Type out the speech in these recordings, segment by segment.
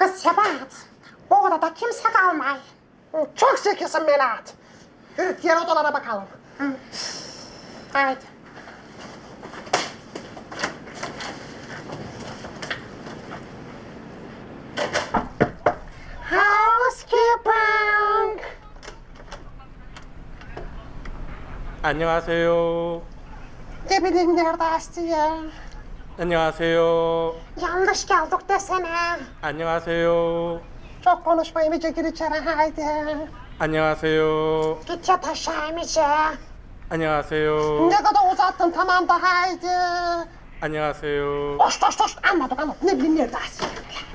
Kız Sebat, bu odada kimse kalmay. Çok zekisin Melahat. Yürü diğer odalara bakalım. Haydi. Housekeeping. 안녕하세요. Ne bileyim nerede Aslı'ya? 안녕하세요. Yanlış geldik desene. 안녕하세요. Çok konuşmayın iyice gir içeri haydi. 안녕하세요. Git yat aşağı iyice. 안녕하세요. Ne kadar uzattın tamam da haydi. 안녕하세요. Hoş anladık ne bileyim nerede Aslı'ya?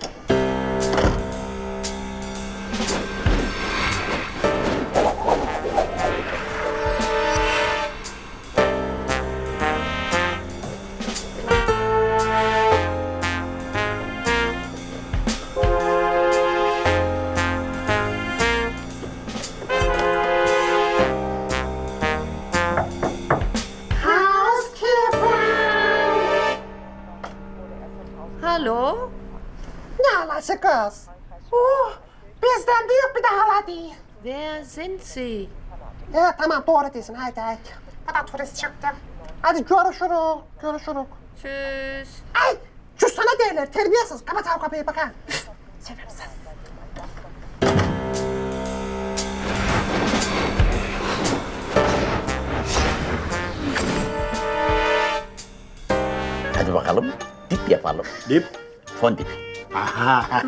Hallo? Ne halası kız? Bizden büyük bir de hala değil. Wer sind Sie? Evet tamam doğru değilsin haydi. Bu da turist çıktı. Hadi görüşürük. Tschüss. Ay şu sana derler terbiyesiz. Kapat o kapıyı bakın. Sebepsiz. Hadi bakalım dip yapalım. Dip. Fon dip. Aha.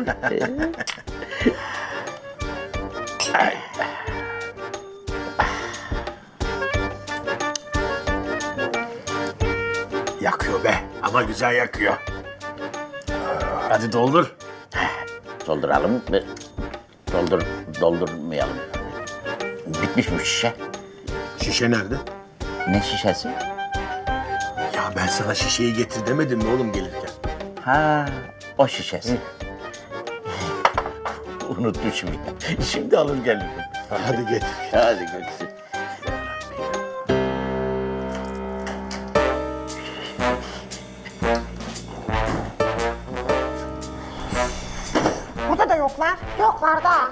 Yakıyor be ama güzel yakıyor. Hadi doldur. Dolduralım mı? Doldurmayalım. Bitmiş bu şişe. Şişe nerede? Ne şişesi? Ya ben sana şişeyi getir demedim mi oğlum gelirken? Ha, o şişesi. Unutmuşum ya. Şimdi alır gelirim. Hadi getir. Hadi götürsün. Burada da yoklar. Yoklar da.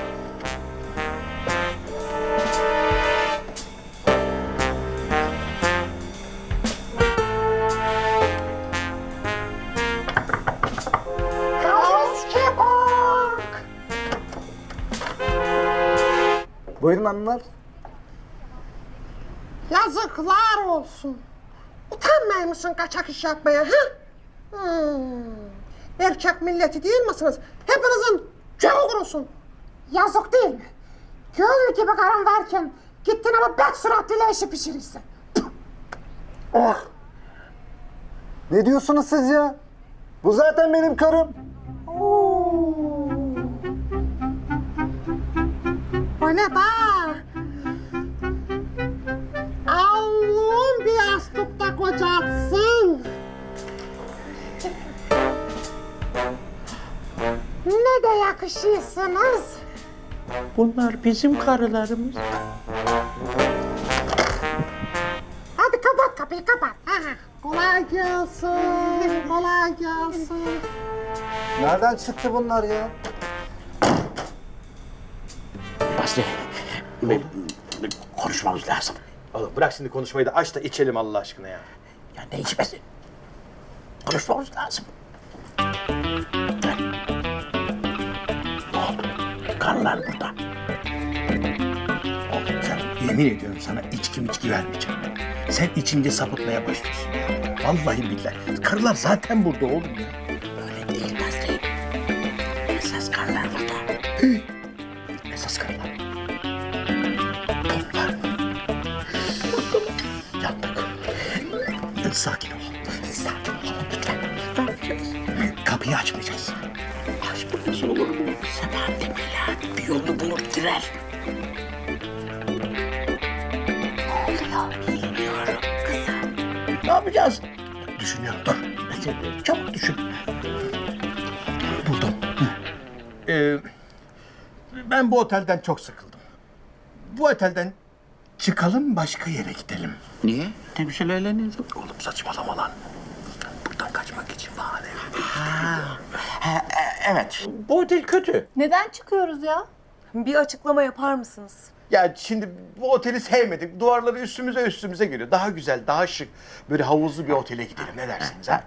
Housekeeping. Buyurun hanımlar. Yazıklar olsun. Utanmıyor musun kaçak iş yapmaya ha? Erkek milleti değil misiniz? Hepinizin canı kurusun. Yazık değil mi? Gül gibi karın varken gittin ama bet suratlıyla işi pişirirsin. Oh. Ne diyorsunuz siz ya? Bu zaten benim karım. Öyle de. Allah'ım bir yastıkta kocatsın. Ne de yakışıyorsunuz. Bunlar bizim karılarımız. Hadi kapat kapıyı kapat. Kolay gelsin, kolay gelsin. Nereden çıktı bunlar ya? Basri, konuşmamız lazım. Oğlum bırak şimdi konuşmayı da aç da içelim Allah aşkına ya. Ya ne içmesi? Konuşmamız lazım. Ne oldu? Karılar burada. Oğlum sen yemin ediyorum sana içki vermeyeceğim. Sen içince sapıtmaya başlıyorsun ya. Vallahi billahi. Karılar zaten burada oğlum ya. Öyle değil Basri. Esas karılar burada. Esas karılar. Toplar. Yandık. Sakin ol. Sakin olalım lütfen. Ne yapacağız? Kapıyı açmayacağız. Açmıyoruz olur mu? Sebahat'le Melahat bir yolunu bulur girer. Ne oluyor? Bilmiyorum kızım. Ne yapacağız? Düşünüyorum dur. Çabuk düşün. Buldum. Ben bu otelden çok sıkıldım. Bu otelden çıkalım başka yere gidelim. Niye? Ne bir şeyler eğleniyoruz? Oğlum saçmalama lan. Buradan kaçmak için bahane. Evet, bu otel kötü. Neden çıkıyoruz ya? Bir açıklama yapar mısınız? Ya şimdi bu oteli sevmedik. Duvarları üstümüze geliyor. Daha güzel, daha şık. Böyle havuzlu bir otele gidelim. Ne dersiniz ha?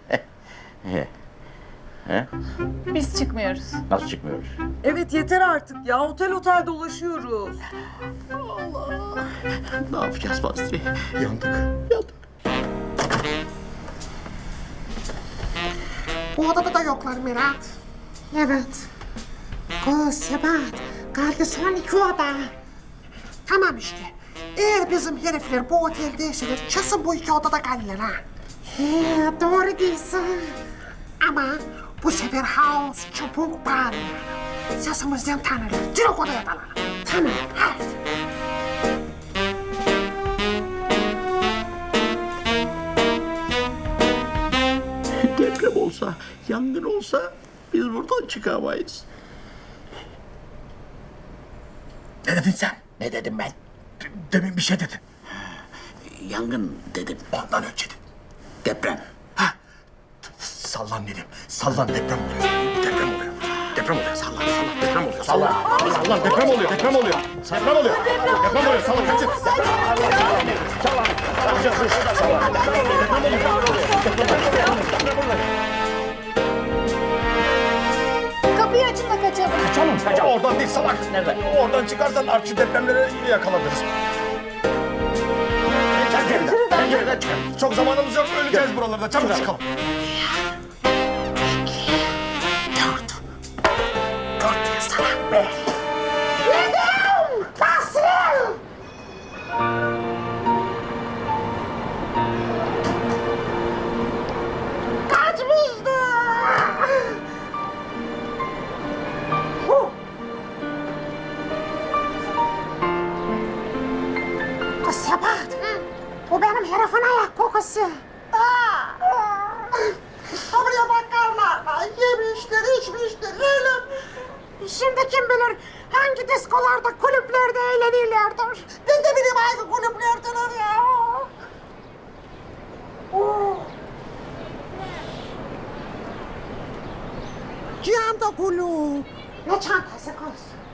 Biz çıkmıyoruz. Nasıl çıkmıyoruz? Evet yeter artık ya. Otel otel dolaşıyoruz. Ne yapacağız Basri? Yandık. Bu odada da yoklar Mirat. Evet. Kız Sebat, kaldı son 2 oda. Tamam işte. Eğer bizim herifler bu otelde yaşanır, kesin bu 2 odada kalırlar ha. He, doğru diyorsun. Ama bu sefer house çabuk bağırıyor. Sesimizden tanırlar, direkt odaya dalalım. Tamam, hadi. Deprem olsa, yangın olsa biz buradan çıkamayız. Ne dedin sen? Ne dedim ben? Demin bir şey dedin. Yangın dedim. Ondan önce dedin. Deprem. Sallan dedim. Sallan deprem oluyor. Deprem oluyor. Deprem oluyor. Sallan deprem oluyor. Sallan deprem oluyor. Deprem oluyor. Deprem oluyor. Deprem oluyor. Sallan kaçın. Kapıyı açın da kaçalım. Oradan değil salak. Nereden? Oradan çıkarsan artçı depremlere yakalanırız. Pencereden çıkar. Çok zamanımız yok. Öleceğiz buralarda. Çabuk çıkalım. Dört diye salak be. Basri! Kaçmıştı! Kız Sebat, bu benim herifin ayak kokusu. Buraya bakarlar, yemiştir, içmiştir, eğlenmiştir. Şimdi kim bilir hangi diskolarda, kulüplerde eğlenirlerdir. Ben de bileyim hangi kulüplerdeler ya. Cihanda kulüp. Ne çantası kız?